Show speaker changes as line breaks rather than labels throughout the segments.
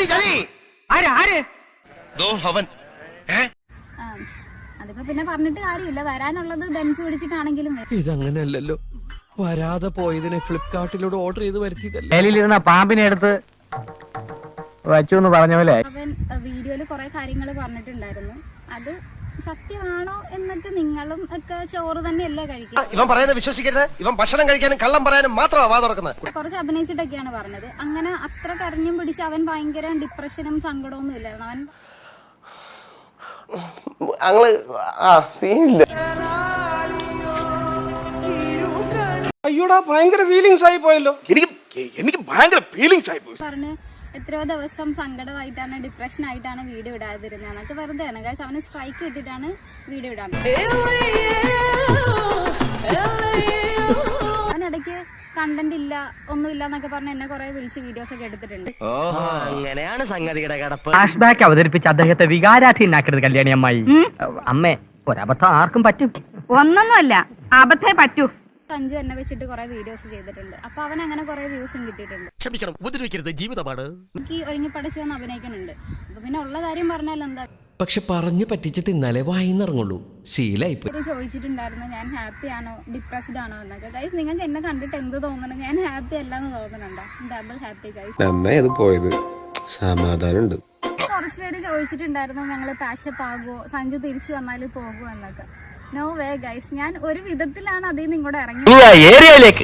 അതിപ്പോ പിന്നെ പറഞ്ഞിട്ട് കാര്യമില്ല. വരാനുള്ളത് ബെൻസ് പിടിച്ചിട്ടാണെങ്കിലും
ഇതങ്ങനെയല്ലല്ലോ. വരാതെ പോയതിനെ ഫ്ലിപ്കാർട്ടിലൂടെ ഓർഡർ ചെയ്ത് വരുത്തിയതല്ലേ.
മേലിലിരുന്ന പാമ്പിനെ എടുത്ത് വച്ചു എന്ന് പറഞ്ഞ പോലെ
അവൻ വീഡിയോയില് കുറെ കാര്യങ്ങൾ പറഞ്ഞിട്ടുണ്ടായിരുന്നു. അത് സത്യമാണോ എന്നൊക്കെ നിങ്ങളും ഒക്കെ ചോറ് തന്നെയല്ലേ കഴിക്കുക.
ഇവൻ പറയുന്നത് വിശ്വസിക്കരുത്. ഇവൻ ഭക്ഷണം കഴിക്കാനും കള്ളം പറയാനും മാത്രമാണ് വാ തുറക്കുന്നത്.
കുറച്ച് അഭിനയിച്ചിട്ടൊക്കെയാണ് പറഞ്ഞത്. അങ്ങനെ അത്ര കരഞ്ഞും പിടിച്ച് അവൻ ഭയങ്കര ഡിപ്രഷനും സങ്കടമൊന്നും ഇല്ലായിരുന്നു. അവൻ
അയ്യോടാ ഭയങ്കര ഫീലിങ്സ് ആയി പോയല്ലോ. എനിക്ക് ഭയങ്കര ഫീലിങ്സ് ആയി പോയി.
പറഞ്ഞ് എത്രയോ ദിവസം സങ്കടമായിട്ടാണ് ഡിപ്രഷൻ ആയിട്ടാണ് വീഡിയോ ഇടാതിരുന്നത്. അതൊക്കെ വെറുതെയാണ് ഗൈസ്. അവന് സ്ട്രൈക്ക് കിട്ടിയിട്ടാണ് വീഡിയോ ഇടാൻ. അവനിടയ്ക്ക് കണ്ടന്റ് ഇല്ല ഒന്നുമില്ല എന്നൊക്കെ പറഞ്ഞ് എന്നെ കുറെ വിളിച്ച് വീഡിയോസ് ഒക്കെ എടുത്തിട്ടുണ്ട്.
അങ്ങനെയാണ് സംഗതിയുടെ കിടപ്പ്. ഫ്ലാഷ് ബാക്ക് അവതരിപ്പിച്ച് അദ്ദേഹത്തെ വികാരാധീനാക്കരുത് കല്യാണി അമ്മായി. അമ്മേ ഒരബദ്ധം ആർക്കും പറ്റും.
ഒന്നൊന്നുമല്ല, അബദ്ധേ പറ്റൂ.
സഞ്ജു എന്നെ വെച്ചിട്ട് കുറെ വീഡിയോസ് ചെയ്തിട്ടുണ്ട്. അപ്പൊ അവൻ അങ്ങനെ കുറെ വ്യൂസും കിട്ടിയിട്ടുണ്ട്.
ക്ഷമിക്കണം, ഉപദ്രവിക്കരുത്, ജീവിതമാണ്.
എനിക്ക് ഒരുങ്ങി പഠിച്ചു വന്ന് അഭിനയിക്കുന്നുണ്ട്. അപ്പൊ പിന്നെ ഉള്ള കാര്യം പറഞ്ഞാൽ എന്താ.
പക്ഷെ പറഞ്ഞു പറ്റിച്ച് തിന്നാലേ വായിന്നിറങ്ങുള്ളൂ. ശീലായിപ്പോയി.
ചോദിച്ചിട്ടുണ്ടായിരുന്നു ഞാൻ ഹാപ്പി ആണോ ഡിപ്രസ്ഡ് ആണോ എന്നൊക്കെ. ഗൈസ് നിങ്ങൾക്ക് എന്നെ കണ്ടിട്ട് എന്ത് തോന്നണം? ഞാൻ ഹാപ്പി അല്ലാന്ന് തോന്നുന്നുണ്ടോ? Double happy guys.
സമാധാനമുണ്ട്.
കുറച്ച് പേര് ചോദിച്ചിട്ടുണ്ടായിരുന്നു ഞങ്ങള് പാച്ചപ്പ് ആകുമോ, സഞ്ജു തിരിച്ചു വന്നാല് പോകുമോ എന്നൊക്കെ. No way guys. ഞാൻ ഒരു വിധത്തിലാണ് അതിൽ നിന്ന് ഇങ്ങോട്ട് ഇറങ്ങി
ഏരിയയിലേക്ക്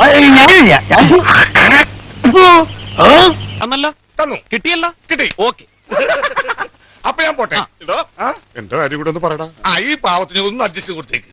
കിട്ടിയല്ലോ. കിട്ടി. ഓക്കെ. അപ്പൊ ഞാൻ പോട്ടെ. എന്റെ കാര്യം കൂടെ ഒന്ന് പറയടാ. ഈ പാവത്തിന് ഒന്ന് അഡ്ജസ്റ്റ് കൊടുത്തേക്ക്.